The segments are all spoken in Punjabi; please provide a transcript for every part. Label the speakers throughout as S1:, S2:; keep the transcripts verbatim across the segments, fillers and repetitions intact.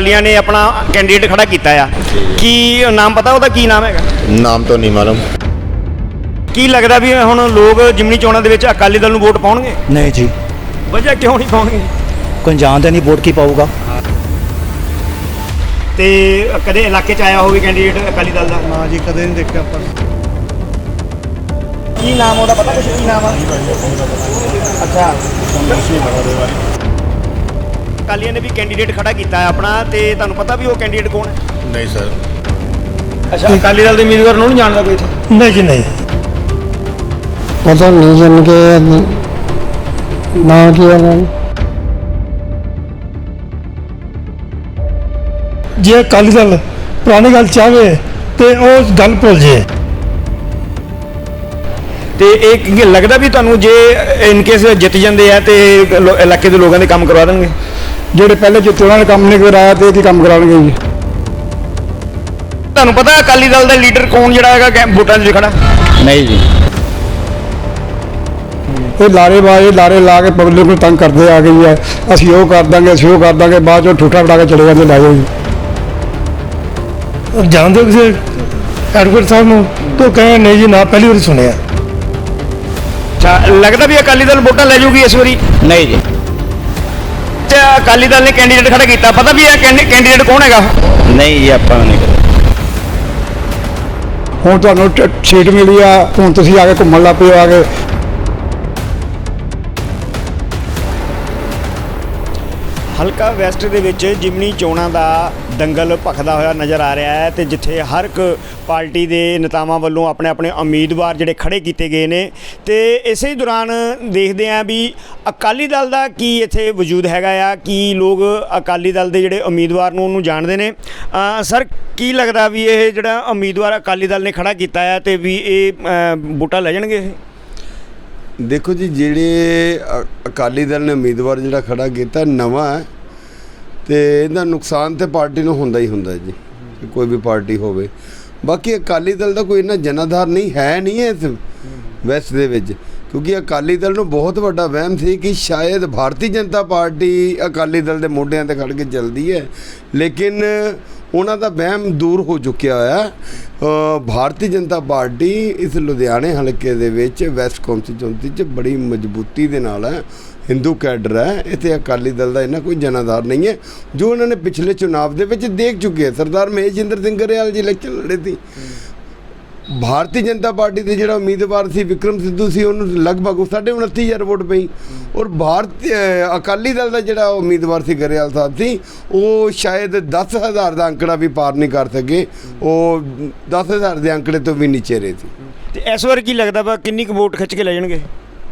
S1: ਅਕਾਲੀਆਂ ਨੇ ਆਪਣਾ ਕੈਂਡੀਡੇਟ ਖੜਾ ਕੀਤਾ ਆ, ਕੀ ਨਾਮ ਪਤਾ ਉਹਦਾ ਕੀ ਨਾਮ ਹੈਗਾ?
S2: ਨਾਮ ਤੋਂ ਨਹੀਂ ਮਾਲੂਮ।
S1: ਕੀ ਲੱਗਦਾ ਵੀ ਹੁਣ ਲੋਕ ਜਿਮਨੀ ਚੋਣਾਂ ਦੇ ਵਿੱਚ ਅਕਾਲੀ ਦਲ ਨੂੰ ਵੋਟ ਪਾਉਣਗੇ?
S3: नहीं जी,
S1: ਵਜ੍ਹਾ ਕਿਉਂ ਨਹੀਂ ਪਾਉਣਗੇ?
S3: कोई जानता नहीं वोट की पाऊगा।
S1: ਤੇ ਕਦੇ ਇਲਾਕੇ 'ਚ ਆਇਆ ਹੋਵੇ ਕੈਂਡੀਡੇਟ ਅਕਾਲੀ ਦਲ ਦਾ?
S4: हाँ जी, कदे नहीं देखा पर
S1: ਕੀ ਨਾਮ ਉਹਦਾ ਪਤਾ ਕੁਛ? ਕੀ ਨਾਮ ਆ? ਅੱਛਾ, ਅਕਾਲੀਆਂ ਨੇ ਵੀ ਕੈਂਡੀਡੇਟ ਖੜਾ ਕੀਤਾ ਹੈ ਆਪਣਾ, ਤੇ ਤੁਹਾਨੂੰ ਪਤਾ ਵੀ ਉਹ ਕੈਂਡੀਡੇਟ ਕੌਣ ਹੈ?
S2: ਨਹੀਂ ਸਰ।
S1: ਅੱਛਾ, ਅਕਾਲੀ ਦਲ ਦੇ ਉਮੀਦਵਾਰ ਨੂੰ ਨਹੀਂ ਜਾਣਦਾ ਕੋਈ ਇੱਥੇ?
S4: नहीं जी नहीं
S5: पता नहीं जन के ना किया ना
S4: जे अकाली दल पुरानी गल चाहे तो वो गल भुल जे।
S1: ਤੇ ਇਹ ਕੀ ਲੱਗਦਾ ਵੀ ਤੁਹਾਨੂੰ ਜੇ ਇਨ ਕੇਸ ਜਿੱਤ ਜਾਂਦੇ ਆ ਤੇ ਲੋ- ਇਲਾਕੇ ਦੇ ਲੋਕਾਂ ਦੇ ਕੰਮ ਕਰਵਾ ਦੇਣਗੇ?
S4: ਜਿਹੜੇ ਪਹਿਲੇ ਜਿੱਤੇ ਉਹਨਾਂ ਨੇ ਕੰਮ ਨਹੀਂ ਕਰਾਇਆ ਤੇ ਕੀ ਕੰਮ ਕਰਾਉਣਗੇ ਜੀ?
S1: ਤੁਹਾਨੂੰ ਪਤਾ ਅਕਾਲੀ ਦਲ ਦਾ ਲੀਡਰ ਕੌਣ ਜਿਹੜਾ ਹੈਗਾ ਕੈ- ਵੋਟਾਂ 'ਚ ਖੜਾ?
S2: ਨਹੀਂ ਜੀ।
S4: ਇਹ ਲਾਰੇਬਾਜ਼ ਲਾਰੇ ਲਾ ਕੇ ਪਬਲਿਕ ਨੂੰ ਤੰਗ ਕਰਦੇ ਆ ਗਈ ਹੈ, ਅਸੀਂ ਉਹ ਕਰ ਦਾਂਗੇ ਅਸੀਂ ਉਹ ਕਰ ਦਾਂਗੇ, ਬਾਅਦ ਚੋਂ ਠੂਠਾ ਫੜਾ ਕੇ ਚਲੇ ਜਾਂਦੇ ਲੈ ਜਾਓ ਜੀ। ਜਾਣਦੇ ਹੋ ਕਿਸੇ ਐਡਵੋਕੇਟ ਸਾਹਿਬ ਨੂੰ? ਤਾਂ ਕਹੇ ਨਹੀਂ ਜੀ ਨਾ, ਪਹਿਲੀ ਵਾਰੀ ਸੁਣਿਆ।
S1: ਅੱਛਾ, ਲੱਗਦਾ ਵੀ ਅਕਾਲੀ ਦਲ ਵੋਟਾਂ ਲੈ ਜਾਊਗੀ ਇਸ ਵਾਰੀ?
S2: ਨਹੀਂ ਜੀ।
S1: ਤੇ ਅਕਾਲੀ ਦਲ ਨੇ ਕੈਂਡੀਡੇਟ ਖੜਾ ਕੀਤਾ, ਪਤਾ ਵੀ ਇਹ ਕੈਂਡੀਡੇਟ ਕੌਣ ਹੈਗਾ?
S2: ਨਹੀਂ ਜੀ, ਆਪਾਂ ਨੂੰ ਨਹੀਂ ਪਤਾ।
S4: ਹੁਣ ਤੁਹਾਨੂੰ ਟ- ਸੀਟ ਮਿਲੀ ਆ, ਹੁਣ ਤੁਸੀਂ ਆ ਕੇ ਘੁੰਮਣ ਲੱਗ ਪਏ ਆ ਕੇ।
S1: ਹਲਕਾ ਵੈਸਟ ਦੇ ਵਿੱਚ ਜਿਮਨੀ ਚੋਣਾਂ ਦਾ ਦੰਗਲ ਭਖਦਾ ਹੋਇਆ ਨਜ਼ਰ ਆ ਰਿਹਾ ਹੈ, ਤੇ ਜਿੱਥੇ ਹਰ ਇੱਕ ਪਾਰਟੀ ਦੇ ਨੇਤਾਵਾਂ ਵੱਲੋਂ ਆਪਣੇ ਆਪਣੇ ਉਮੀਦਵਾਰ ਜਿਹੜੇ ਖੜੇ ਕੀਤੇ ਗਏ ਨੇ, ਤੇ ਇਸੇ ਦੌਰਾਨ ਦੇਖਦੇ ਆਂ ਵੀ ਅਕਾਲੀ ਦਲ ਦਾ ਕੀ ਇੱਥੇ ਵਜੂਦ ਹੈਗਾ ਆ, ਕੀ ਲੋਕ ਅਕਾਲੀ ਦਲ ਦੇ ਜਿਹੜੇ ਉਮੀਦਵਾਰ ਨੂੰ ਉਹਨੂੰ ਜਾਣਦੇ ਨੇ। ਅ, ਸਰ ਕੀ ਲੱਗਦਾ ਵੀ ਇਹ ਜਿਹੜਾ ਉਮੀਦਵਾਰ ਅਕਾਲੀ ਦਲ ਨੇ ਖੜਾ ਕੀਤਾ ਹੈ ਤੇ ਵੀ ਇਹ ਅ, ਵੋਟਾਂ ਲੈ ਜਾਣਗੇ ਇਹ?
S6: ਦੇਖੋ ਜੀ, ਜਿਹੜੇ ਅ- ਅਕਾਲੀ ਦਲ ਨੇ ਉਮੀਦਵਾਰ ਜਿਹੜਾ ਖੜਾ ਕੀਤਾ ਨਵਾਂ ਹੈ, ਤੇ ਇਹਦਾ ਨੁਕਸਾਨ ਤੇ ਪਾਰਟੀ ਨੂੰ ਹੁੰਦਾ ਹੀ ਹੁੰਦਾ ਜੀ, ਕੋਈ ਵੀ ਪਾਰਟੀ ਹੋਵੇ। ਬਾਕੀ ਅਕਾਲੀ ਦਲ ਦਾ ਕੋਈ ਇੰਨਾ ਜਨਾਧਾਰ ਨਹੀਂ ਹੈ ਨਹੀਂ ਹੈ ਇਸ ਵੈਸਟ ਦੇ ਵਿੱਚ, ਕਿਉਂਕਿ ਅਕਾਲੀ ਦਲ ਨੂੰ ਬਹੁਤ ਵੱਡਾ ਵਹਿਮ ਸੀ ਕਿ ਸ਼ਾਇਦ ਭਾਰਤੀ ਜਨਤਾ ਪਾਰਟੀ ਅਕਾਲੀ ਦਲ ਦੇ ਮੋਢਿਆਂ ਤੇ ਖੜ ਕੇ ਚੱਲਦੀ ਹੈ, ਲੇਕਿਨ ਉਹਨਾਂ ਦਾ ਵਹਿਮ ਦੂਰ ਹੋ ਚੁੱਕਿਆ ਹੋਇਆ। ਭਾਰਤੀ ਜਨਤਾ ਪਾਰਟੀ ਇਸ ਲੁਧਿਆਣੇ ਹਲਕੇ ਦੇ ਵਿੱਚ ਵੈਸਟ ਕੌਂਸਟੀਚੁਐਂਸੀ 'ਚ ਬੜੀ ਮਜ਼ਬੂਤੀ ਦੇ ਨਾਲ ਹੈ, ਹਿੰਦੂ ਕੈਡਰ ਹੈ, ਇੱਥੇ ਅਕਾਲੀ ਦਲ ਦਾ ਇਹਨਾਂ ਕੋਈ ਜਨਾਧਾਰ ਨਹੀਂ ਹੈ, ਜੋ ਉਹਨਾਂ ਨੇ ਪਿਛਲੇ ਚੁਣਾਵ ਦੇ ਵਿੱਚ ਦੇਖ ਚੁੱਕੇ ਹੈ। ਸਰਦਾਰ ਮਹੇਸ਼ਿੰਦਰ ਸਿੰਘ ਗਰੇਵਾਲ ਜੀ ਇਲੈਕਸ਼ਨ ਲੜੇ ਸੀ, ਭਾਰਤੀ ਜਨਤਾ ਪਾਰਟੀ ਦੇ ਜਿਹੜਾ ਉਮੀਦਵਾਰ ਸੀ ਵਿਕਰਮ ਸਿੱਧੂ ਸੀ, ਉਹਨੂੰ ਲਗਭਗ ਸਾਢੇ ਉਨੱਤੀ ਹਜ਼ਾਰ ਵੋਟ ਪਈ। ਔਰ ਭਾਰਤੀ ਅਕਾਲੀ ਦਲ ਦਾ ਜਿਹੜਾ ਉਮੀਦਵਾਰ ਸੀ ਗਰੇਵਾਲ ਸਾਹਿਬ ਸੀ, ਉਹ ਸ਼ਾਇਦ ਦਸ ਹਜ਼ਾਰ ਦਾ ਅੰਕੜਾ ਵੀ ਪਾਰ ਨਹੀਂ ਕਰ ਸਕੇ, ਉਹ ਦਸ ਹਜ਼ਾਰ ਦੇ ਅੰਕੜੇ ਤੋਂ ਵੀ ਨੀਚੇ ਰਹੇ ਸੀ।
S1: ਤੇ ਇਸ ਵਾਰ ਕੀ ਲੱਗਦਾ ਵਾ ਕਿੰਨੀ ਕੁ ਵੋਟ ਖਿੱਚ ਕੇ ਲੈ ਜਾਣਗੇ?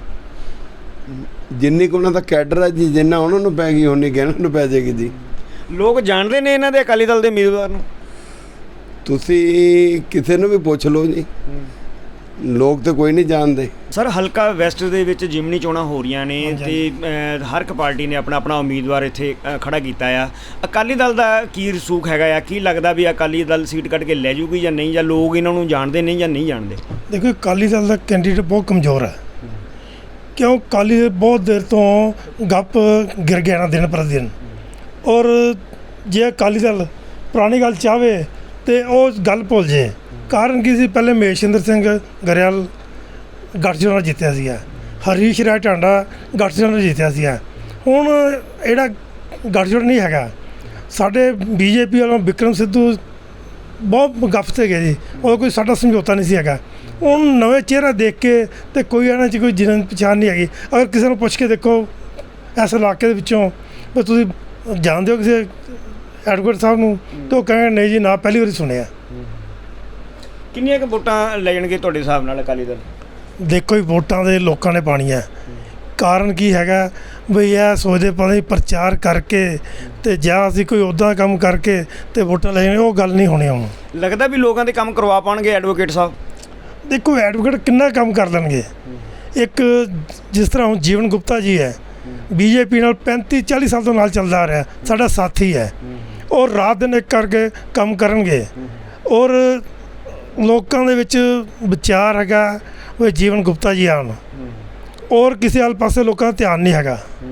S6: ਜਿੰਨੀ ਕੁ ਉਹਨਾਂ ਦਾ ਕੈਡਰ ਹੈ ਜੀ, ਜਿੰਨਾ ਉਹਨਾਂ ਨੂੰ ਪੈ ਗਈ ਉਨੀ ਗਹਿਣਾ ਨੂੰ ਪੈ ਜਾਏਗੀ ਜੀ।
S1: ਲੋਕ ਜਾਣਦੇ ਨੇ ਇਹਨਾਂ ਦੇ ਅਕਾਲੀ ਦਲ ਦੇ ਉਮੀਦਵਾਰ ਨੂੰ?
S6: ਤੁਸੀਂ ਕਿਸੇ ਨੂੰ ਵੀ ਪੁੱਛ ਲਓ ਜੀ, ਲੋਕ ਤਾਂ ਕੋਈ ਨਹੀਂ ਜਾਣਦੇ।
S1: ਸਰ ਹਲਕਾ ਵੈਸਟ ਦੇ ਵਿੱਚ ਜਿਮਨੀ ਚੋਣਾਂ ਹੋ ਰਹੀਆਂ ਨੇ, ਤੇ ਅ, ਹਰ ਇੱਕ ਪਾਰਟੀ ਨੇ ਆਪਣਾ ਆਪਣਾ ਉਮੀਦਵਾਰ ਇੱਥੇ ਅ, ਖੜਾ ਕੀਤਾ ਆ। ਅਕਾਲੀ ਦਲ ਦਾ ਕੀ ਰਸੂਖ ਹੈਗਾ ਆ? ਕੀ ਲੱਗਦਾ ਵੀ ਅਕਾਲੀ ਦਲ ਸੀਟ ਕੱਢ ਕੇ ਲੈ ਜੂਗੀ ਜਾਂ ਨਹੀਂ, ਜਾਂ ਲੋਕ ਇਹਨਾਂ ਨੂੰ ਜਾਣਦੇ ਨਹੀਂ ਜਾਂ ਨਹੀਂ ਜਾਣਦੇ?
S4: ਦੇਖੋ, ਅਕਾਲੀ ਦਲ ਦਾ ਕੈਂਡੀਡੇਟ ਬਹੁਤ ਕਮਜ਼ੋਰ ਹੈ, ਕਿਉਂ ਅਕਾਲੀ ਦਲ ਬਹੁਤ ਦੇਰ ਤੋਂ ਗੱਪ ਗਿਰ ਗਿਆ ਨਾ ਦਿਨ ਪਰ ਦਿਨ। ਔਰ ਜੇ ਅਕਾਲੀ ਦਲ ਪੁਰਾਣੀ ਗੱਲ ਚਾਹਵੇ ਤੇ ਉਹ ਗੱਲ ਭੁੱਲ ਜੇ। ਕਾਰਨ ਕੀ ਸੀ? ਪਹਿਲੇ ਮਹੇਸ਼ਿੰਦਰ ਸਿੰਘ ਗਰੇਵਾਲ ਗਠਜੋੜ ਨਾਲ ਜਿੱਤਿਆ ਸੀਗਾ, ਹਰੀਸ਼ ਰਾਏ ਟਾਂਡਾ ਗਠਜੋੜ ਨਾਲ ਜਿੱਤਿਆ ਸੀਗਾ। ਹੁਣ ਜਿਹੜਾ ਗਠਜੋੜ ਨਹੀਂ ਹੈਗਾ, ਸਾਡੇ ਬੀਜੇਪੀ ਵੱਲੋਂ ਵਿਕਰਮ ਸਿੱਧੂ ਬਹੁਤ ਗੱਪ 'ਤੇ ਗਏ ਜੀ, ਉਹ ਕੋਈ ਸਾਡਾ ਸਮਝੌਤਾ ਨਹੀਂ ਸੀ ਹੈਗਾ। ਹੁਣ ਨਵੇਂ ਚਿਹਰਾ ਦੇਖ ਕੇ ਤੇ ਕੋਈ ਇਹਨਾਂ 'ਚ ਕੋਈ ਜਿਨ੍ਹਾਂ ਪਛਾਣ ਨਹੀਂ ਹੈਗੀ। ਅਗਰ ਕਿਸੇ ਨੂੰ ਪੁੱਛ ਕੇ ਦੇਖੋ ਇਸ ਇਲਾਕੇ ਦੇ ਵਿੱਚੋਂ ਵੀ ਤੁਸੀਂ ਜਾਣਦੇ ਹੋ ਕਿਸੇ ਐਡਵੋਕੇਟ ਸਾਹਿਬ ਨੂੰ, ਤਾਂ ਉਹ ਕਹੇ ਨਹੀਂ ਜੀ ਨਾ, ਪਹਿਲੀ ਵਾਰੀ ਸੁਣਿਆ।
S1: ਕਿੰਨੀਆਂ ਕੁ ਵੋਟਾਂ ਲੈ ਜਾਣਗੇ ਤੁਹਾਡੇ ਹਿਸਾਬ ਨਾਲ ਅਕਾਲੀ ਦਲ?
S4: ਦੇਖੋ ਜੀ, ਵੋਟਾਂ ਦੇ ਲੋਕਾਂ ਨੇ ਪਾਣੀਆਂ। ਕਾਰਨ ਕੀ ਹੈਗਾ ਬਈ ਇਹ ਸੋਚਦੇ ਪਤਾ ਨਹੀਂ ਪ੍ਰਚਾਰ ਕਰਕੇ ਤੇ ਜਾਂ ਅਸੀਂ ਕੋਈ ਉੱਦਾਂ ਕੰਮ ਕਰਕੇ ਤੇ ਵੋਟਾਂ ਲੈ ਜਾਣੇ, ਉਹ ਗੱਲ ਨਹੀਂ ਹੋਣੀ। ਹੁਣ
S1: ਲੱਗਦਾ ਵੀ ਲੋਕਾਂ ਦੇ ਕੰਮ ਕਰਵਾ ਪਾਉਣਗੇ ਐਡਵੋਕੇਟ ਸਾਹਿਬ?
S4: ਦੇਖੋ, ਐਡਵੋਕੇਟ ਕਿੰਨਾ ਕੰਮ ਕਰ ਲੈਣਗੇ। ਇੱਕ ਜਿਸ ਤਰ੍ਹਾਂ ਹੁਣ ਜੀਵਨ ਗੁਪਤਾ ਜੀ ਹੈ, ਬੀਜੇਪੀ ਨਾਲ ਪੈਂਤੀ ਚਾਲੀ ਸਾਲ ਤੋਂ ਨਾਲ ਚੱਲਦਾ ਆ ਰਿਹਾ, ਸਾਡਾ ਸਾਥੀ ਹੈ। ਔਰ ਰਾਤ ਦਿਨ ਇੱਕ ਕਰਕੇ ਕੰਮ ਕਰਨਗੇ। ਔਰ ਲੋਕਾਂ ਦੇ ਵਿੱਚ ਵਿਚਾਰ ਹੈਗਾ ਵੀ ਜੀਵਨ ਗੁਪਤਾ ਜੀ ਆਉਣ, ਔਰ ਕਿਸੇ ਹਾਲ ਪਾਸੇ ਲੋਕਾਂ ਦਾ ਧਿਆਨ ਨਹੀਂ ਹੈਗਾ।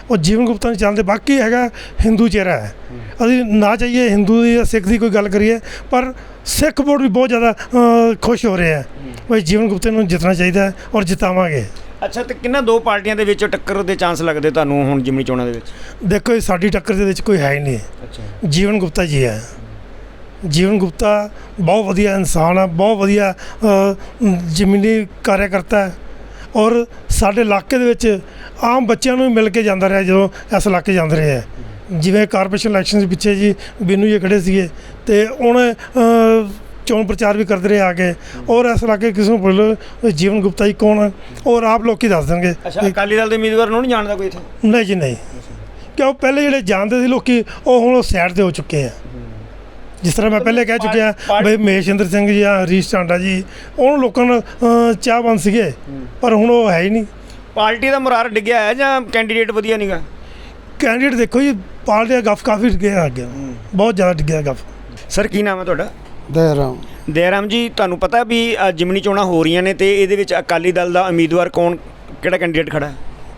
S4: ਉਹ ਜੀਵਨ ਗੁਪਤਾ ਨਹੀਂ ਚੱਲਦੇ। ਬਾਕੀ ਹੈਗਾ ਹਿੰਦੂ ਚਿਹਰਾ ਹੈ, ਅਸੀਂ ਨਾ ਚਾਹੀਏ ਹਿੰਦੂ ਦੀ ਜਾਂ ਸਿੱਖ ਦੀ ਕੋਈ ਗੱਲ ਕਰੀਏ, ਪਰ ਸਿੱਖ ਵੋਟ ਵੀ ਬਹੁਤ ਜ਼ਿਆਦਾ ਅ, ਖੁਸ਼ ਹੋ ਰਹੇ ਹੈ ਵੀ ਜੀਵਨ ਗੁਪਤਾ ਨੂੰ ਜਿੱਤਣਾ ਚਾਹੀਦਾ ਹੈ ਔਰ ਜਿਤਾਵਾਂਗੇ।
S1: ਅੱਛਾ, ਤੇ ਕਿੰਨਾ ਦੋ ਪਾਰਟੀਆਂ ਦੇ ਵਿੱਚ ਟੱਕਰ ਦੇ ਚਾਂਸ ਲੱਗਦੇ ਤੁਹਾਨੂੰ ਹੁਣ ਜਿਮਨੀ ਚੋਣਾਂ ਦੇ ਵਿੱਚ? ਦੇਖੋ
S4: ਦੇਖੋ ਸਾਡੀ ਟੱਕਰ ਦੇ ਵਿੱਚ ਕੋਈ ਹੈ ਹੀ ਨਹੀਂ,
S1: ਅੱਛਾ,
S4: ਜੀਵਨ ਗੁਪਤਾ ਜੀ ਹੈ। ਜੀਵਨ ਗੁਪਤਾ ਬਹੁਤ ਵਧੀਆ ਇਨਸਾਨ ਹੈ, ਬਹੁਤ ਵਧੀਆ ਅ, ਜ਼ਮੀਨੀ ਕਾਰਿਆਕਰਤਾ ਹੈ ਔਰ ਸਾਡੇ ਇਲਾਕੇ ਦੇ ਵਿੱਚ ਆਮ ਬੱਚਿਆਂ ਨੂੰ ਵੀ ਮਿਲ ਕੇ ਜਾਂਦਾ ਰਿਹਾ ਜਦੋਂ ਇਸ ਇਲਾਕੇ ਜਾਂਦੇ ਰਹੇ ਹੈ। ਜਿਵੇਂ ਕਾਰਪੋਰੇਸ਼ਨ ਇਲੈਕਸ਼ਨ ਦੇ ਪਿੱਛੇ ਜੀ ਬੀਨੂ ਜੀ ਖੜੇ ਸੀਗੇ ਅਤੇ ਉਹਨੇ ਅ, ਚੋਣ ਪ੍ਰਚਾਰ ਵੀ ਕਰਦੇ ਰਹੇ ਆ ਕੇ, ਔਰ ਇਸ ਇਲਾਕੇ ਕਿਸੇ ਨੂੰ ਪੁੱਛ ਲਓ ਜੀਵਨ ਗੁਪਤਾ ਜੀ ਕੌਣ ਹੈ ਔਰ ਆਪ ਲੋਕ ਹੀ ਦੱਸ ਦੇਣਗੇ।
S1: ਅੱਛਾ, ਅਕਾਲੀ ਦਲ ਦੇ ਉਮੀਦਵਾਰ ਨੂੰ ਨਹੀਂ ਜਾਣਦਾ ਕੋਈ ਇੱਥੇ?
S4: ਨਹੀਂ ਜੀ ਨਹੀਂ, ਕਿਉਂ ਪਹਿਲੇ ਜਿਹੜੇ ਜਾਣਦੇ ਸੀ ਲੋਕੀ ਉਹ ਹੁਣ ਉਹ ਸਾਈਡ 'ਤੇ ਹੋ ਚੁੱਕੇ ਆ। ਜਿਸ ਤਰ੍ਹਾਂ ਮੈਂ ਪਹਿਲੇ ਕਹਿ ਚੁੱਕਿਆ ਬਈ ਮਹੇਸ਼ਿੰਦਰ ਸਿੰਘ ਜੀ ਜਾਂ ਹਰੀਸ਼ ਚਾਂਡਾ ਜੀ, ਉਹਨੂੰ ਲੋਕਾਂ ਨੂੰ ਅ, ਚਾਹਵਾਨ ਸੀਗੇ, ਪਰ ਹੁਣ ਉਹ ਹੈ ਹੀ ਨਹੀਂ।
S1: ਪਾਰਟੀ ਦਾ ਮੁਰਾਰ ਡਿੱਗਿਆ ਹੈ ਜਾਂ ਕੈਂਡੀਡੇਟ ਵਧੀਆ ਨਹੀਂਗਾ?
S4: ਕੈਂਡੀਡੇਟ ਦੇਖੋ ਜੀ, ਪਾਰਟੀ ਦਾ ਗੱਫ ਕਾਫੀ ਡਿੱਗਿਆ ਅੱਗੇ, ਬਹੁਤ ਜ਼ਿਆਦਾ ਡਿੱਗਿਆ ਗੱਫ।
S1: ਸਰ ਕੀ ਨਾਮ ਹੈ ਤੁਹਾਡਾ?
S5: ਦੇਰਾਮ
S1: ਦਇਆਰਾਮ ਜੀ, ਤੁਹਾਨੂੰ ਪਤਾ ਵੀ ਅ, ਜਿਮਨੀ ਚੋਣਾਂ ਹੋ ਰਹੀਆਂ ਨੇ ਤੇ ਇਹਦੇ ਵਿੱਚ ਅਕਾਲੀ ਦਲ ਦਾ ਉਮੀਦਵਾਰ ਕੌਣ, ਕਿਹੜਾ ਕੈਂਡੀਡੇਟ ਖੜਾ ਹੈ?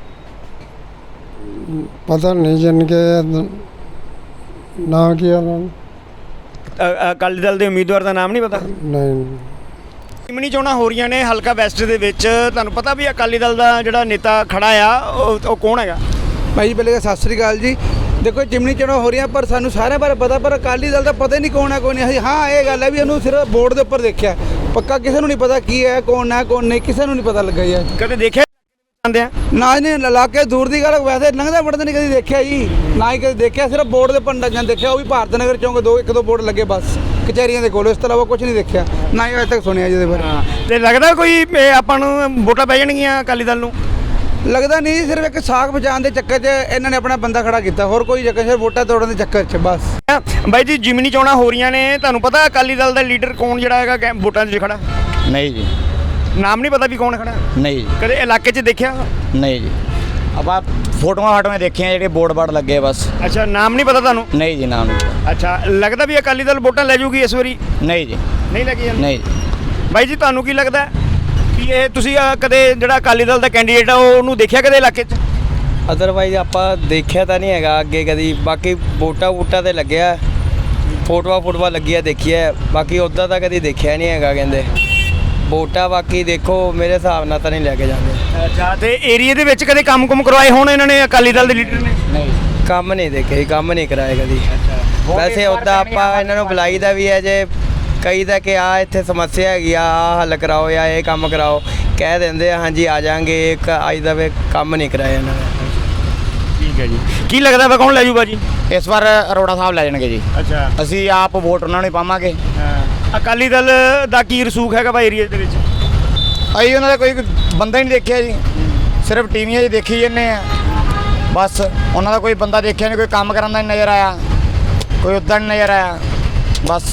S5: ਪਤਾ ਨਹੀਂ ਜਨ ਕੇ ਨਾ ਕੀ ਉਹਨਾਂ ਨੂੰ
S1: ਅ- ਅਕਾਲੀ ਦਲ ਦੇ ਉਮੀਦਵਾਰ ਦਾ ਨਾਮ ਨਹੀਂ ਪਤਾ?
S5: ਨਹੀਂ
S1: ਜਿਮਨੀ ਚੋਣਾਂ ਹੋ ਰਹੀਆਂ ਨੇ ਹਲਕਾ ਵੈਸਟ ਦੇ ਵਿੱਚ, ਤੁਹਾਨੂੰ ਪਤਾ ਵੀ ਅਕਾਲੀ ਦਲ ਦਾ ਜਿਹੜਾ ਨੇਤਾ ਖੜਾ ਆ ਉਹ ਉਹ ਕੌਣ ਹੈਗਾ?
S7: ਭਾਈ ਜੀ ਪਹਿਲੇ ਤਾਂ ਸਤਿ ਸ੍ਰੀ ਅਕਾਲ ਜੀ। ਦੇਖੋ ਜਿਮਨੀ ਚੋਣਾਂ ਹੋ ਰਹੀਆਂ ਪਰ ਸਾਨੂੰ ਸਾਰਿਆਂ ਬਾਰੇ ਪਤਾ, ਪਰ ਅਕਾਲੀ ਦਲ ਦਾ ਪਤਾ ਹੀ ਨਹੀਂ ਕੌਣ ਹੈ ਕੌਣ ਨਹੀਂ। ਅਸੀਂ ਹਾਂ ਇਹ ਗੱਲ ਹੈ ਵੀ ਉਹਨੂੰ ਸਿਰਫ ਬੋਰਡ ਦੇ ਉੱਪਰ ਦੇਖਿਆ, ਪੱਕਾ ਕਿਸੇ ਨੂੰ ਨਹੀਂ ਪਤਾ ਕੀ ਹੈ ਕੌਣ ਹੈ ਕੌਣ ਨਹੀਂ, ਕਿਸੇ ਨੂੰ ਨਹੀਂ ਪਤਾ ਲੱਗਾ ਯਾਰ।
S1: ਕਦੇ ਦੇਖਿਆ ਜਾਂਦੇ ਆ?
S7: ਨਾ ਇਹਨੇ ਇਲਾਕੇ ਦੂਰ ਦੀ ਗੱਲ, ਵੈਸੇ ਲੰਘਦਾ ਵੜਦਾ ਨਹੀਂ ਕਦੀ ਦੇਖਿਆ ਜੀ, ਨਾ ਹੀ ਕਦੇ ਦੇਖਿਆ, ਸਿਰਫ ਬੋਰਡ ਦੇ ਉੱਪਰ ਜਾਂ ਦੇਖਿਆ, ਉਹ ਵੀ ਭਾਰਤ ਨਗਰ ਚੌਂਕ ਦੋ ਇੱਕ ਦੋ ਬੋਰਡ ਲੱਗੇ ਬਸ ਕਚਹਿਰੀਆਂ ਦੇ ਕੋਲ, ਇਸ ਤੋਂ ਇਲਾਵਾ ਕੁਝ ਨਹੀਂ ਦੇਖਿਆ, ਨਾ ਹੀ ਅਜੇ ਤੱਕ ਸੁਣਿਆ ਜਿਹਦੇ ਬਾਰੇ।
S1: ਹਾਂ, ਤੇ ਲੱਗਦਾ ਕੋਈ ਇਹ ਆਪਾਂ ਨੂੰ ਵੋਟਾਂ ਪੈ ਜਾਣਗੀਆਂ ਅਕਾਲੀ ਦਲ ਨੂੰ?
S7: ਲੱਗਦਾ ਨਹੀਂ, ਸਿਰਫ ਇੱਕ ਸਾਖ ਬਚਾਉਣ ਦੇ ਚੱਕਰ 'ਚ ਇਹਨਾਂ ਨੇ ਆਪਣਾ ਬੰਦਾ ਖੜਾ ਕੀਤਾ, ਹੋਰ ਕੋਈ ਚੱਕਰ, ਸਿਰਫ ਵੋਟਾਂ ਤੋੜਨ ਦੇ ਚੱਕਰ 'ਚ ਬਸ।
S1: ਬਾਈ ਜੀ ਜਿਮਨੀ ਚੋਣਾਂ ਹੋ ਰਹੀਆਂ ਨੇ, ਤੁਹਾਨੂੰ ਪਤਾ ਅਕਾਲੀ ਦਲ ਦਾ ਲੀਡਰ ਕੌਣ ਜਿਹੜਾ ਹੈਗਾ ਕੈ- ਵੋਟਾਂ 'ਚ ਖੜਾ?
S2: ਨਹੀਂ ਜੀ,
S1: ਨਾਮ ਨਹੀਂ ਪਤਾ ਵੀ ਕੌਣ ਖੜਾ?
S2: ਨਹੀਂ ਜੀ,
S1: ਕਦੇ ਇਲਾਕੇ 'ਚ ਦੇਖਿਆ?
S2: ਨਹੀਂ ਜੀ, ਆਪਾਂ ਫੋਟੋਆਂ ਫਾਟੋਆਂ ਦੇਖੀਆਂ ਜਿਹੜੇ ਬੋਰਡ ਬਾਰਡ ਲੱਗੇ ਬਸ।
S1: ਅੱਛਾ, ਨਾਮ ਨਹੀਂ ਪਤਾ ਤੁਹਾਨੂੰ?
S2: ਨਹੀਂ ਜੀ, ਨਾਮ ਨਹੀਂ।
S1: ਅੱਛਾ, ਲੱਗਦਾ ਵੀ ਅਕਾਲੀ ਦਲ ਵੋਟਾਂ ਲੈ ਜੂਗੀ ਇਸ ਵਾਰੀ?
S2: ਨਹੀਂ ਜੀ,
S1: ਨਹੀਂ ਲੈ ਕੇ ਜਾਂਦੀ?
S2: ਨਹੀਂ ਜੀ।
S1: ਬਾਈ ਜੀ ਤੁਹਾਨੂੰ ਕੀ ਲੱਗਦਾ ਕਿ ਇਹ ਤੁਸੀਂ ਅ, ਕਦੇ ਜਿਹੜਾ ਅਕਾਲੀ ਦਲ ਦਾ ਕੈਂਡੀਡੇਟ ਆ ਉਹ- ਉਹਨੂੰ ਦੇਖਿਆ ਕਦੇ ਇਲਾਕੇ 'ਚ?
S8: ਅਦਰਵਾਈਜ਼ ਆਪਾਂ ਦੇਖਿਆ ਤਾਂ ਨਹੀਂ ਹੈਗਾ ਅੱਗੇ ਕਦੀ, ਬਾਕੀ ਵੋਟਾਂ ਵੋਟਾਂ ਤੇ ਲੱਗਿਆ, ਫੋਟੋਆਂ ਫੋਟੋਆਂ ਲੱਗੀਆਂ ਦੇਖੀਆਂ, ਬਾਕੀ ਉੱਦਾਂ ਤਾਂ ਕਦੀ ਦੇਖਿਆ ਨਹੀਂ ਹੈਗਾ ਕਹਿੰਦੇ ਵੋਟਾਂ। ਬਾਕੀ ਦੇਖੋ ਮੇਰੇ ਹਿਸਾਬ ਨਾਲ ਤਾਂ ਨਹੀਂ ਲੈ ਕੇ ਜਾਂਦੇ।
S1: ਅੱਛਾ, ਤੇ ਏਰੀਆ ਦੇ ਵਿੱਚ ਕਦੇ ਕੰਮ-ਕੁਮ ਕਰਵਾਏ ਹੋਣ ਇਹਨਾਂ ਨੇ ਅਕਾਲੀ ਦਲ ਦੇ ਲੀਡਰ ਨੇ?
S2: ਨਹੀਂ
S8: ਕੰਮ ਨਹੀਂ ਦੇਖੇ, ਕੰਮ ਨਹੀਂ ਕਰਾਏ ਕਦੀ। ਵੈਸੇ ਉੱਦਾਂ ਆਪਾਂ ਇਹਨਾਂ ਨੂੰ ਬੁਲਾਈਦਾ ਵੀ ਹੈ, ਜੇ ਕਈ ਦਾ ਕਿ ਆ ਇੱਥੇ ਸਮੱਸਿਆ ਹੈਗੀ ਆ, ਆਹ ਹੱਲ ਕਰਾਓ ਜਾਂ ਇਹ ਕੰਮ ਕਰਾਓ, ਕਹਿ ਦਿੰਦੇ ਆ ਹਾਂਜੀ ਆ ਜਾਾਂਗੇ, ਇੱਕ ਅੱਜ ਦਾ ਵੇ ਕੰਮ ਨਹੀਂ ਕਰਾਇਆ ਇਹਨਾਂ ਨੇ।
S1: ਠੀਕ ਹੈ ਜੀ, ਕੀ ਲੱਗਦਾ ਵਾ ਕੌਣ ਲੈ ਜੂਗਾ ਜੀ
S2: ਇਸ ਵਾਰ ਅਰੋੜਾ ਸਾਹਿਬ ਲੈ ਜਾਣਗੇ ਜੀ।
S1: ਅੱਛਾ,
S2: ਅਸੀਂ ਆਪ ਵੋਟ ਉਹਨਾਂ ਨੂੰ ਹੀ ਪਾਵਾਂਗੇ।
S1: ਅਕਾਲੀ ਦਲ ਦਾ ਕੀ ਰਸੂਖ ਹੈਗਾ ਵਾ ਏਰੀਆ ਦੇ ਵਿੱਚ?
S2: ਅਸੀਂ ਉਹਨਾਂ ਦਾ ਕੋਈ ਬੰਦਾ ਹੀ ਨਹੀਂ ਦੇਖਿਆ ਜੀ, ਸਿਰਫ ਟੀਵੀਆਂ 'ਚ ਦੇਖੀ ਜੰਨੇ ਆ ਬਸ। ਉਹਨਾਂ ਦਾ ਕੋਈ ਬੰਦਾ ਦੇਖਿਆ ਨਹੀਂ, ਕੋਈ ਕੰਮ ਕਰਨ ਦਾ ਨਹੀਂ ਨਜ਼ਰ ਆਇਆ, ਕੋਈ ਉੱਦਾਂ ਨਹੀਂ ਨਜ਼ਰ ਆਇਆ ਬਸ।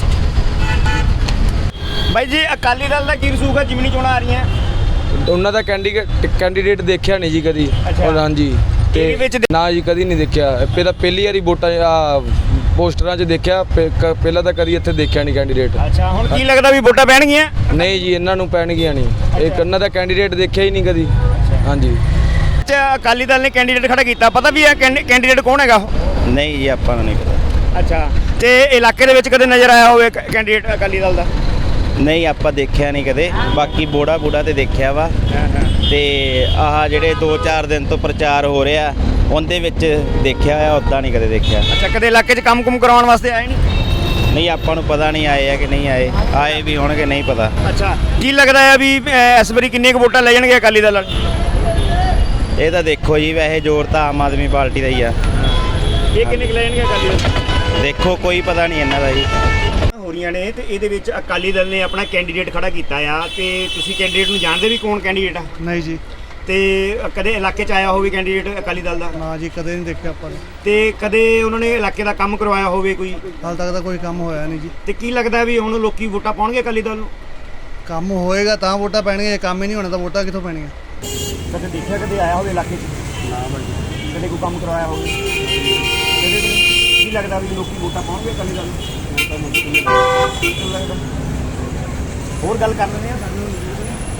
S1: ਬਾਈ ਜੀ ਅਕਾਲੀ ਦਲ ਦਾ ਕੀ ਰਸੂਖ ਹੈ ਜਿਮਨੀ ਚੋਣਾਂ ਆ ਰਹੀਆਂ?
S9: ਉਹਨਾਂ ਦਾ ਕੈਂਡੀਡੇਟ ਕੈਂਡੀਡੇਟ ਦੇਖਿਆ ਨਹੀਂ ਜੀ ਕਦੀ।
S1: ਅੱਛਾ।
S9: ਔਰ ਹਾਂਜੀ
S1: ਇਹਦੇ ਵਿੱਚ
S9: ਤੇ ਨਾ ਜੀ ਕਦੀ ਨਹੀਂ ਦੇਖਿਆ, ਪਹਿਲਾਂ ਪਹਿਲੀ ਵਾਰੀ ਵੋਟਾਂ ਆ ਪੋਸਟਰਾਂ 'ਚ ਦੇਖਿਆ, ਪਹਿ- ਕ- ਪਹਿਲਾਂ ਤਾਂ ਕਦੀ ਇੱਥੇ ਦੇਖਿਆ ਨਹੀਂ ਕੈਂਡੀਡੇਟ।
S1: ਅੱਛਾ, ਹੁਣ ਕੀ ਲੱਗਦਾ ਵੀ ਵੋਟਾਂ ਪੈਣਗੀਆਂ?
S9: ਨਹੀਂ ਜੀ, ਇਹਨਾਂ ਨੂੰ ਪੈਣਗੀਆਂ ਨਹੀਂ, ਇੱਕ ਉਹਨਾਂ ਦਾ ਕੈਂਡੀਡੇਟ ਦੇਖਿਆ ਹੀ ਨਹੀਂ ਕਦੀ। ਹਾਂਜੀ,
S1: ਅੱਛਾ, ਅਕਾਲੀ ਦਲ ਨੇ ਕੈਂਡੀਡੇਟ ਖੜਾ ਕੀਤਾ, ਪਤਾ ਵੀ ਇਹ ਕੈਂਡੀਡੇਟ ਕੌਣ ਹੈਗਾ ਉਹ?
S2: ਨਹੀਂ ਜੀ, ਆਪਾਂ ਨੂੰ ਨਹੀਂ ਪਤਾ।
S1: ਅੱਛਾ, ਤੇ ਇਲਾਕੇ ਦੇ ਵਿੱਚ ਕਦੇ ਨਜ਼ਰ ਆਇਆ ਹੋਵੇ ਕੈਂਡੀਡੇਟ ਅਕਾਲੀ ਦਲ ਦਾ?
S2: ਨਹੀਂ, ਆਪਾਂ ਦੇਖਿਆ ਨਹੀਂ ਕਦੇ, ਬਾਕੀ ਬੋੜਾ ਬੂੜਾ ਤੇ ਦੇਖਿਆ ਵਾ। ਤੇ ਆਹ ਜਿਹੜੇ ਦੋ ਚਾਰ ਦਿਨ ਤੋਂ ਪ੍ਰਚਾਰ ਹੋ ਰਿਹਾ ਉਹਦੇ ਵਿੱਚ ਦੇਖਿਆ ਆ, ਉੱਦਾਂ ਨਹੀਂ ਕਦੇ ਦੇਖਿਆ।
S1: ਅੱਛਾ, ਕਦੇ ਇਲਾਕੇ 'ਚ ਕੰਮ-ਕੁਮ ਕਰਵਾਉਣ ਵਾਸਤੇ ਆਏ ਨਹੀਂ?
S2: ਨਹੀਂ, ਆਪਾਂ ਨੂੰ ਪਤਾ ਨਹੀਂ ਆਏ ਆ ਕਿ ਨਹੀਂ ਆਏ, ਆਏ ਵੀ ਹੋਣਗੇ ਨਹੀਂ ਪਤਾ।
S1: ਅੱਛਾ, ਕੀ ਲੱਗਦਾ ਹੈ ਵੀ ਅ, ਇਸ ਵਾਰੀ ਕਿੰਨੀਆਂ ਕੁ ਵੋਟਾਂ ਲੈ ਜਾਣਗੇ ਅਕਾਲੀ ਦਲ ਵਾਲੇ?
S2: ਇਹ ਤਾਂ ਦੇਖੋ ਜੀ, ਵੈਸੇ ਜ਼ੋਰ ਤਾਂ ਆਮ ਆਦਮੀ ਪਾਰਟੀ ਦਾ ਹੀ ਆ।
S1: ਇਹ ਕਿੰਨੇ ਕੁ ਲੈ ਜਾਣਗੇ ਅਕਾਲੀ ਦਲ?
S2: ਦੇਖੋ ਕੋਈ ਪਤਾ ਨਹੀਂ ਇਹਨਾਂ ਦਾ ਜੀ।
S1: ਹੋ ਰਹੀਆਂ ਨੇ ਤੇ ਇਹਦੇ ਵਿੱਚ ਅਕਾਲੀ ਦਲ ਨੇ ਆਪਣਾ ਕੈਂਡੀਡੇਟ ਖੜਾ ਕੀਤਾ ਆ, ਤੇ ਤੁਸੀਂ ਕੈਂਡੀਡੇਟ ਨੂੰ ਜਾਣਦੇ ਵੀ ਕੌਣ ਕੈਂਡੀਡੇਟ ਆ?
S3: ਨਹੀਂ ਜੀ,
S1: ਤੇ ਕਦੇ ਇਲਾਕੇ 'ਚ ਆਇਆ ਹੋਵੇ ਕੈਂਡੀਡੇਟ ਅਕਾਲੀ ਦਲ ਦਾ?
S3: ਨਾ ਜੀ, ਕਦੇ ਨਹੀਂ ਦੇਖਿਆ ਆਪਾਂ ਨੇ।
S1: ਤੇ ਕਦੇ ਉਹਨਾਂ ਨੇ ਇਲਾਕੇ ਦਾ ਕੰਮ ਕਰਵਾਇਆ ਹੋਵੇ ਕੋਈ?
S3: ਹਾਲ ਤੱਕ ਤਾਂ ਕੋਈ ਕੰਮ ਹੋਇਆ ਨਹੀਂ ਜੀ।
S1: ਤੇ ਕੀ ਲੱਗਦਾ ਵੀ ਹੁਣ ਲੋਕੀ ਵੋਟਾਂ ਪਾਉਣਗੇ ਅਕਾਲੀ ਦਲ ਨੂੰ?
S3: ਕੰਮ ਹੋਏਗਾ ਤਾਂ ਵੋਟਾਂ ਪੈਣਗੀਆਂ, ਜੇ ਕੰਮ ਹੀ ਨਹੀਂ ਹੋਣਾ ਤਾਂ ਵੋਟਾਂ ਕਿੱਥੋਂ ਪੈਣਗੀਆਂ?
S1: ਕਦੇ ਦੇਖਿਆ ਕਦੇ ਆਇਆ ਹੋਵੇ ਇਲਾਕੇ 'ਚ? ਨਾ ਬਾਈ, ਕਦੇ ਕੋਈ ਕੰਮ ਕਰਵਾਇਆ ਹੋਵੇ? ਕਦੇ ਵੀ ਨਹੀਂ? ਕੀ ਲੱਗਦਾ ਵੀ ਲੋਕੀ ਵੋਟਾਂ ਪਾਉਣਗੇ ਅਕਾਲੀ ਦਲ ਨੂੰ? ਲੱਗਦਾ ਹੋਰ ਗੱਲ ਕਰ ਲੈਂਦੇ ਆ ਸਾਨੂੰ।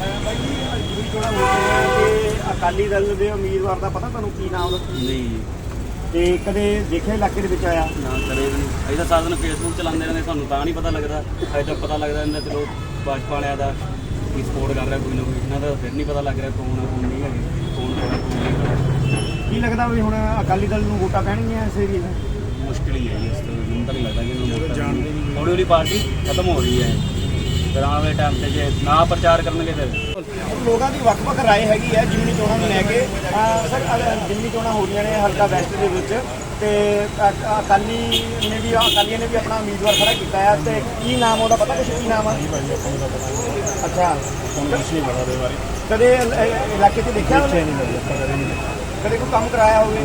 S1: ਬਾਈ ਜੀ ਜਿਮਨੀ ਚੋਣਾਂ ਹੋ ਰਹੀਆਂ ਤੇ ਅਕਾਲੀ ਦਲ ਦੇ ਉਮੀਦਵਾਰ ਦਾ ਪਤਾ ਤੁਹਾਨੂੰ ਕੀ ਨਾਮ ਉਹਦਾ?
S10: ਨਹੀਂ
S1: ਤੇ ਕਦੇ ਦੇਖਿਆ ਇਲਾਕੇ ਦੇ ਵਿੱਚ ਆਇਆ?
S10: ਨਾ ਕਰੇ ਵੀ ਨਹੀਂ। ਅਸੀਂ ਤਾਂ ਸਾਰਾ ਦਿਨ ਫੇਸਬੁੱਕ ਚਲਾਉਂਦੇ ਰਹਿੰਦੇ, ਸਾਨੂੰ ਤਾਂ ਨਹੀਂ ਪਤਾ ਲੱਗਦਾ। ਅਜੇ ਤੱਕ ਪਤਾ ਲੱਗਦਾ ਰਹਿੰਦਾ ਚਲੋ ਭਾਜਪਾ ਵਾਲਿਆਂ ਦਾ ਕੀ ਸਪੋਰਟ ਕਰ ਰਿਹਾ ਕੋਈ ਨਾ ਕੋਈ, ਇਹਨਾਂ ਦਾ ਫਿਰ ਨਹੀਂ ਪਤਾ ਲੱਗ ਰਿਹਾ ਕੌਣ ਆ ਕੌਣ ਨਹੀਂ ਹੈਗੇ, ਕੌਣ ਕੌਣ ਕੌਣ ਨਹੀਂ।
S1: ਕੀ ਲੱਗਦਾ ਵੀ ਹੁਣ ਅਕਾਲੀ ਦਲ ਨੂੰ ਵੋਟਾਂ ਪੈਣਗੀਆਂ ਇਸ ਏਰੀਏ ਦਾ?
S10: ਮੁਸ਼ਕਿਲ ਹੀ ਹੈ ਜੀ, ਇਸ ਤੋਂ ਮੈਨੂੰ ਤਾਂ ਨਹੀਂ ਲੱਗਦਾ ਕਿ ਇਹਨੂੰ ਵੋਟਾਂ ਜਾਣਦੇ ਨਹੀਂ। ਹੌਲੀ ਹੌਲੀ ਪਾਰਟੀ ਖਤਮ ਹੋ ਰਹੀ ਹੈ, ਫਿਰ ਆਉਣ ਵਾਲੇ ਟਾਈਮ ਤੇ ਜੇ ਨਾ ਪ੍ਰਚਾਰ ਕਰਨਗੇ ਫਿਰ
S1: ਲੋਕਾਂ ਦੀ ਵੱਖ-ਵੱਖ ਰਾਏ ਹੈਗੀ ਹੈ ਜਿਮਨੀ ਚੋਣਾਂ ਨੂੰ ਲੈ ਕੇ। ਅਹ ਸਰ ਅ- ਜਿਮਨੀ ਚੋਣਾਂ ਹੋ ਰਹੀਆਂ ਨੇ ਹਲਕਾ ਵੈਸਟ ਦੇ ਵਿੱਚ ਤੇ ਅ- ਅਕਾਲੀ ਨੇ ਵੀ ਅਕਾਲੀਆਂ ਨੇ ਵੀ ਆਪਣਾ ਉਮੀਦਵਾਰ ਖੜਾ ਕੀਤਾ ਹੈ ਤੇ ਕੀ ਨਾਮ ਉਹਦਾ ਪਤਾ ਕੁਛ ਕੀ ਨਾਮ ਆ? ਅੱਛਾ ਕਦੇ ਇਲ- ਇ- ਇਲਾਕੇ 'ਚ ਦੇਖਿਆ ਉਹਨੇ? ਕਦੇ ਕੋਈ ਕੰਮ ਕਰਾਇਆ ਹੋਵੇ?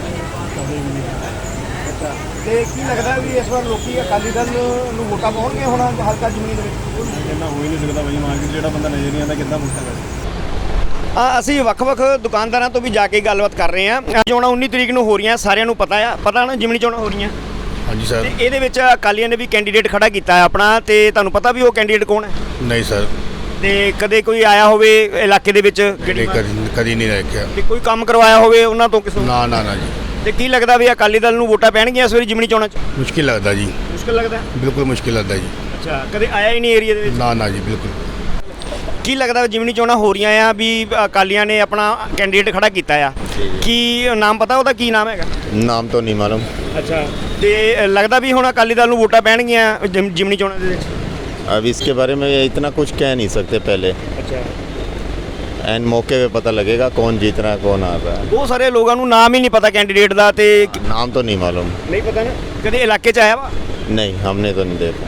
S1: ਅੱਛਾ ਤੇ ਕੀ ਲੱਗਦਾ ਵੀ ਇਸ ਵਾਰ ਲੋਕੀ ਅਕਾਲੀ ਦਲ ਨੂੰ ਵੋਟਾਂ ਪਾਉਣਗੇ ਹੁਣ ਹਲਕਾ ਜਿਮਨੀ ਦੇ ਵਿੱਚ?
S3: ਇੰਨਾ ਹੋ ਹੀ ਨਹੀਂ ਸਕਦਾ ਬਾਈ ਮਾਰਕੀਟ ਜਿਹੜਾ ਬੰਦਾ ਨਜ਼ਰ ਨਹੀਂ ਆਉਂਦਾ ਕਿੱਦਾਂ ਪੁੱਛਦਾ
S1: ਆ ਅਸੀਂ ਵੱਖ-ਵੱਖ ਦੁਕਾਨਦਾਰਾਂ ਤੋਂ ਵੀ ਜਾ ਕੇ ਗੱਲਬਾਤ ਕਰ ਰਹੇ ਹਾਂ। ਚੋਣਾਂ ਉੱਨੀ ਤਰੀਕ ਨੂੰ ਹੋ ਰਹੀਆਂ, ਸਾਰਿਆਂ ਨੂੰ ਪਤਾ ਆ ਪਤਾ ਨਾ ਜਿਮਨੀ ਚੋਣਾਂ ਹੋ ਰਹੀਆਂ
S11: ਹਾਂਜੀ ਸਰ।
S1: ਤੇ ਇਹਦੇ ਵਿੱਚ ਅਕਾਲੀਆਂ ਨੇ ਵੀ ਕੈਂਡੀਡੇਟ ਖੜਾ ਕੀਤਾ ਹੈ ਆਪਣਾ, ਤੇ ਤੁਹਾਨੂੰ ਪਤਾ ਵੀ ਉਹ ਕੈਂਡੀਡੇਟ ਕੌਣ ਹੈ?
S11: ਨਹੀਂ ਸਰ,
S1: ਤੇ ਕਦੇ ਕੋਈ ਆਇਆ ਹੋਵੇ ਇਲਾਕੇ ਦੇ ਵਿੱਚ
S11: ਕਦੇ ਕਦੀ ਕਦੀ ਨਹੀਂ ਰੱਖਿਆ।
S1: ਤੇ ਕੋਈ ਕੰਮ ਕਰਵਾਇਆ ਹੋਵੇ ਉਹਨਾਂ ਤੋਂ ਕਿਸੇ?
S11: ਨਾ ਨਾ ਨਾ ਜੀ।
S1: ਤੇ ਕੀ ਲੱਗਦਾ ਵੀ ਅਕਾਲੀ ਦਲ ਨੂੰ ਵੋਟਾਂ ਪੈਣਗੀਆਂ ਇਸ ਵਾਰੀ ਜਿਮਨੀ ਚੋਣਾਂ 'ਚ?
S11: ਮੁਸ਼ਕਿਲ ਲੱਗਦਾ ਜੀ,
S1: ਮੁਸ਼ਕਿਲ ਲੱਗਦਾ?
S11: ਬਿਲਕੁਲ ਮੁਸ਼ਕਿਲ ਲੱਗਦਾ ਜੀ।
S1: ਅੱਛਾ ਕਦੇ ਆਇਆ ਹੀ ਨਹੀਂ ਏਰੀਆ ਦੇ ਵਿੱਚ?
S11: ਨਾ ਨਾ ਜੀ ਬਿਲਕੁਲ।
S1: ਕੀ ਲੱਗਦਾ ਜਿਮਨੀ ਚੋਣਾਂ ਹੋ ਰਹੀਆਂ ਆ ਵੀ ਅਕਾਲੀਆਂ ਨੇ ਆਪਣਾ ਕੈਂਡੀਡੇਟ ਖੜਾ ਕੀਤਾ ਆ, ਕੀ ਨਾਮ ਪਤਾ ਉਹਦਾ ਕੀ ਨਾਮ ਹੈਗਾ?
S11: ਨਾਮ ਤਾਂ ਨਹੀਂ ਮਾਲੂਮ।
S1: ਅੱਛਾ ਤੇ ਲੱਗਦਾ ਵੀ ਹੁਣ ਅਕਾਲੀ ਦਲ ਨੂੰ ਵੋਟਾਂ ਪੈਣਗੀਆਂ ਜਿਮ- ਜਿਮਨੀ ਚੋਣਾਂ ਦੇ ਵਿੱਚ?
S11: अब इसके बारे में इतना कुछ कह नहीं सकते पहले,
S1: ਅੱਛਾ
S11: एंड मौके पे पता लगेगा कौन जीत रहा है कौन आ रहा है।
S1: ਬਹੁਤ ਸਾਰੇ ਲੋਕਾਂ ਨੂੰ ਨਾਮ ਹੀ ਨਹੀਂ ਪਤਾ ਕੈਂਡੀਡੇਟ ਦਾ ਤੇ
S11: नाम तो नहीं मालूम।
S1: ਨਹੀਂ ਪਤਾ ਨਾ ਕਦੇ ਇਲਾਕੇ 'ਚ ਆਇਆ ਵਾ?
S11: नहीं हमने तो नहीं देखा।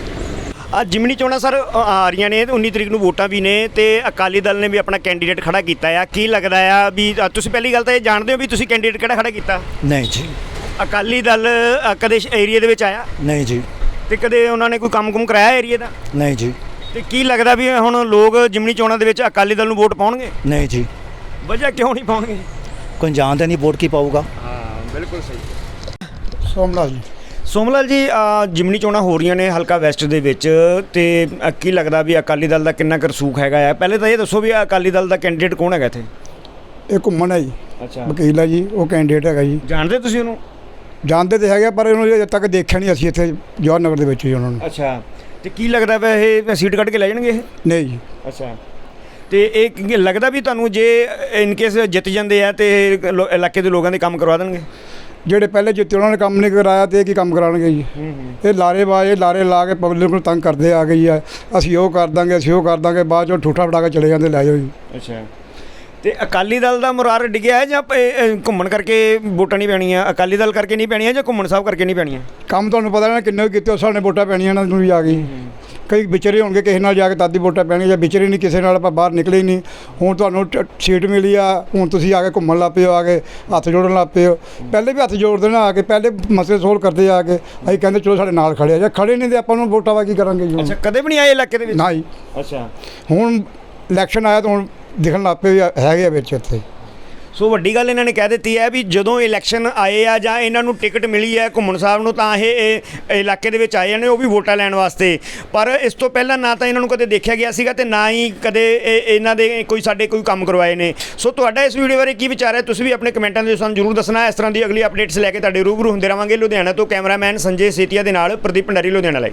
S1: ਆ ਜਿਮਨੀ ਚੋਣਾਂ ਸਰ ਅ, ਆ ਰਹੀਆਂ ਨੇ ਤੇ ਉੱਨੀ ਤਰੀਕ ਨੂੰ ਵੋਟਾਂ ਵੀ ਨੇ ਤੇ ਅਕਾਲੀ ਦਲ ਨੇ ਵੀ ਆਪਣਾ ਕੈਂਡੀਡੇਟ ਖੜਾ ਕੀਤਾ ਆ। ਕੀ ਲੱਗਦਾ ਆ ਵੀ ਅ, ਤੁਸੀਂ ਪਹਿਲੀ ਗੱਲ ਤਾਂ ਇਹ ਜਾਣਦੇ ਹੋ ਵੀ ਤੁਸੀਂ ਕੈਂਡੀਡੇਟ ਕਿਹੜਾ ਖੜਾ ਕੀਤਾ?
S2: ਨਹੀਂ ਜੀ,
S1: ਅਕਾਲੀ ਦਲ ਅ, ਕਦੇ ਏਰੀਆ ਦੇ ਵਿੱਚ ਆਇਆ
S2: ਨਹੀਂ ਜੀ,
S1: ਤੇ ਕਦੇ ਉਹਨਾਂ ਨੇ ਕੋਈ ਕੰਮ-ਕੁਮ ਕਰਾਇਆ ਏਰੀਆ ਦਾ?
S2: ਨਹੀਂ ਜੀ,
S1: ਤੇ ਕੀ ਲੱਗਦਾ ਵੀ ਹੁਣ ਲੋਕ ਜਿਮਨੀ ਚੋਣਾਂ ਦੇ ਵਿੱਚ ਅਕਾਲੀ ਦਲ ਨੂੰ ਵੋਟ ਪਾਉਣਗੇ?
S2: ਨਹੀਂ ਜੀ,
S1: ਵਜ੍ਹਾ ਕਿਉਂ ਨਹੀਂ ਪਾਉਣਗੇ?
S2: ਕੋਈ ਜਾਣਦਾ ਨਹੀਂ ਵੋਟ ਕੀ ਪਾਊਗਾ।
S1: ਹਾਂ ਬਿਲਕੁਲ ਸਹੀ।
S2: ਸੋਮਲਾਲ ਜੀ।
S1: ਸੋਮਲਾਲ ਜੀ ਅ, ਜਿਮਨੀ ਚੋਣਾਂ ਹੋ ਰਹੀਆਂ ਨੇ ਹਲਕਾ ਵੈਸਟ ਦੇ ਵਿੱਚ ਤੇ ਅ, ਕੀ ਲੱਗਦਾ ਵੀ ਅਕਾਲੀ ਦਲ ਦਾ ਕਿੰਨਾ ਕੁ ਰਸੂਖ ਹੈਗਾ ਆ? ਪਹਿਲੇ ਤਾਂ ਇਹ ਦੱਸੋ ਵੀ ਅਕਾਲੀ ਦਲ ਦਾ ਕੈਂਡੀਡੇਟ ਕੌਣ ਹੈਗਾ ਇੱਥੇ?
S2: ਇਹ ਘੁੰਮਣ ਹੈ ਜੀ,
S1: ਅੱਛਾ
S2: ਵਕੀਲ ਹੈ ਜੀ, ਉਹ ਕੈਂਡੀਡੇਟ ਹੈਗਾ ਜੀ।
S1: ਜਾਣਦੇ ਤੁਸੀਂ ਉਹਨੂੰ?
S2: ਜਾਣਦੇ ਤੇ ਹੈਗੇ ਪਰ ਇਹਨੂੰ ਅਜੇ ਤੱਕ ਦੇਖਿਆ ਨਹੀਂ ਅਸੀਂ ਇੱਥੇ ਜਵਾਹਰ ਨਗਰ ਦੇ ਵਿੱਚ ਜੀ ਉਹਨਾਂ ਨੂੰ।
S1: ਅੱਛਾ ਤੇ ਕੀ ਲੱਗਦਾ ਵਾ ਇਹ ਸੀਟ ਕੱਢ ਕੇ ਲੈ ਜਾਣਗੇ ਇਹ?
S2: ਨਹੀਂ ਜੀ,
S1: ਅੱਛਾ ਤੇ ਇਹ ਕੀ ਲੱਗਦਾ ਵੀ ਤੁਹਾਨੂੰ ਜੇ ਇਨ ਕੇਸ ਜਿੱਤ ਜਾਂਦੇ ਆ ਤੇ ਲੋ- ਇਲਾਕੇ ਦੇ ਲੋਕਾਂ ਦੇ ਕੰਮ ਕਰਵਾ ਦੇਣਗੇ?
S2: ਜਿਹੜੇ ਪਹਿਲੇ ਜਿੱਤੇ ਉਹਨਾਂ ਨੇ ਕੰਮ ਨਹੀਂ ਕਰਾਇਆ ਤੇ ਇਹ ਕੀ ਕੰਮ ਕਰਾਉਣਗੇ ਜੀ? ਇਹ ਲਾਰੇਬਾਜ਼ ਇਹ ਲਾਰੇ ਲਾ ਕੇ ਪਬਲਿਕ ਨੂੰ ਤੰਗ ਕਰਦੇ ਆ ਗਈ ਆ, ਅਸੀਂ ਉਹ ਕਰ ਦਾਂਗੇ ਅਸੀਂ ਉਹ ਕਰ ਦਾਂਗੇ, ਬਾਅਦ ਚੋਂ ਠੂਠਾ ਫੜਾ ਕੇ ਚਲੇ ਜਾਂਦੇ ਲੈ ਜਾਓ ਜੀ।
S1: ਅੱਛਾ ਤੇ ਅਕਾਲੀ ਦਲ ਦਾ ਮੁਰਾਰ ਡਿੱਗਿਆ ਹੈ ਜਾਂ ਇਹ- ਇਹ ਘੁੰਮਣ ਕਰਕੇ ਵੋਟਾਂ ਨਹੀਂ ਪੈਣੀਆਂ? ਅਕਾਲੀ ਦਲ ਕਰਕੇ ਨਹੀਂ ਪੈਣੀਆਂ ਜਾਂ ਘੁੰਮਣ ਸਾਹਿਬ ਕਰਕੇ ਨਹੀਂ ਪੈਣੀਆਂ?
S2: ਕੰਮ ਤੁਹਾਨੂੰ ਪਤਾ ਨਾ ਕਿੰਨੇ ਕੀਤੇ ਉਸ ਸਾਹਮਣੇ ਵੋਟਾਂ ਪੈਣੀਆਂ ਇਹਨਾਂ ਨੂੰ ਵੀ ਆ ਗਈ। ਕਈ ਵਿਚਰੇ ਹੋਣਗੇ ਕਿਸੇ ਨਾਲ ਜਾ ਕੇ ਤਾਦੀ ਵੋਟਾਂ ਪੈਣਗੀਆਂ, ਜਾਂ ਵਿਚਰੇ ਨਹੀਂ ਕਿਸੇ ਨਾਲ ਆਪਾਂ ਬਾਹਰ ਨਿਕਲੇ ਹੀ ਨਹੀਂ। ਹੁਣ ਤੁਹਾਨੂੰ ਟ- ਸੀਟ ਮਿਲੀ ਆ, ਹੁਣ ਤੁਸੀਂ ਆ ਕੇ ਘੁੰਮਣ ਲੱਗ ਪਏ ਹੋ, ਆ ਕੇ ਹੱਥ ਜੋੜਨ ਲੱਗ ਪਏ ਹੋ। ਪਹਿਲੇ ਵੀ ਹੱਥ ਜੋੜਦੇ ਨਾ ਆ ਕੇ, ਪਹਿਲੇ ਮਸਲੇ ਸੋਲਵ ਕਰਦੇ ਆ ਕੇ, ਅਸੀਂ ਕਹਿੰਦੇ ਚਲੋ ਸਾਡੇ ਨਾਲ ਖੜੇ ਆ, ਜਾਂ ਖੜੇ ਨਹੀਂ ਤੇ ਆਪਾਂ ਨੂੰ ਵੋਟਾਂ ਵਾ ਕੀ ਕਰਾਂਗੇ ਜੀ ਹੁਣ?
S1: ਅੱਛਾ ਕਦੇ ਵੀ ਨਹੀਂ ਆਏ ਇਲਾਕੇ ਦੇ ਵਿੱਚ?
S2: ਨਾ ਜੀ,
S1: ਅੱਛਾ
S2: ਹੁਣ ਇਲੈਕਸ਼ਨ ਆਇਆ ਤਾਂ ਹੁਣ ਦਿਖਣ ਲੱਗ ਪਏ ਵੀ ਹੈਗੇ ਆ ਵਿੱਚ ਇੱਥੇ।
S1: ਸੋ ਵੱਡੀ ਗੱਲ ਇਹਨਾਂ ਨੇ ਕਹਿ ਦਿੱਤੀ ਹੈ ਵੀ ਜਦੋਂ ਇਲੈਕਸ਼ਨ ਆਏ ਆ ਜਾਂ ਇਹਨਾਂ ਨੂੰ ਟਿਕਟ ਮਿਲੀ ਹੈ ਘੁੰਮਣ ਸਾਹਿਬ ਨੂੰ ਤਾਂ ਇਹ ਇਹ ਇਲਾਕੇ ਦੇ ਵਿੱਚ ਆਏ ਨੇ, ਉਹ ਵੀ ਵੋਟਾਂ ਲੈਣ ਵਾਸਤੇ। ਪਰ ਇਸ ਤੋਂ ਪਹਿਲਾਂ ਨਾ ਤਾਂ ਇਹਨਾਂ ਨੂੰ ਕਦੇ ਦੇਖਿਆ ਗਿਆ ਸੀਗਾ ਤੇ ਨਾ ਹੀ ਕਦੇ ਇਹ- ਇਹਨਾਂ ਦੇ ਕੋਈ ਸਾਡੇ ਕੋਈ ਕੰਮ ਕਰਵਾਏ ਨੇ। ਸੋ ਤੁਹਾਡਾ ਇਸ ਵੀਡੀਓ ਬਾਰੇ ਕੀ ਵਿਚਾਰ ਹੈ ਤੁਸੀਂ ਵੀ ਆਪਣੇ ਕਮੈਂਟਾਂ ਦੇ ਵਿੱਚ ਸਾਨੂੰ ਜ਼ਰੂਰ ਦੱਸਣਾ। ਇਸ ਤਰ੍ਹਾਂ ਦੀ ਅਗਲੀ ਅਪਡੇਟਸ ਲੈ ਕੇ ਤੁਹਾਡੇ ਰੂਬਰੂ ਹੁੰਦੇ ਰਹਾਂਗੇ। ਲੁਧਿਆਣਾ ਤੋਂ ਕੈਮਰਾਮੈਨ ਸੰਜੇ ਸੇਤੀਆ ਦੇ ਨਾਲ ਪ੍ਰਦੀਪ ਭੰਡਾਰੀ, ਲੁਧਿਆਣਾ ਲਈ।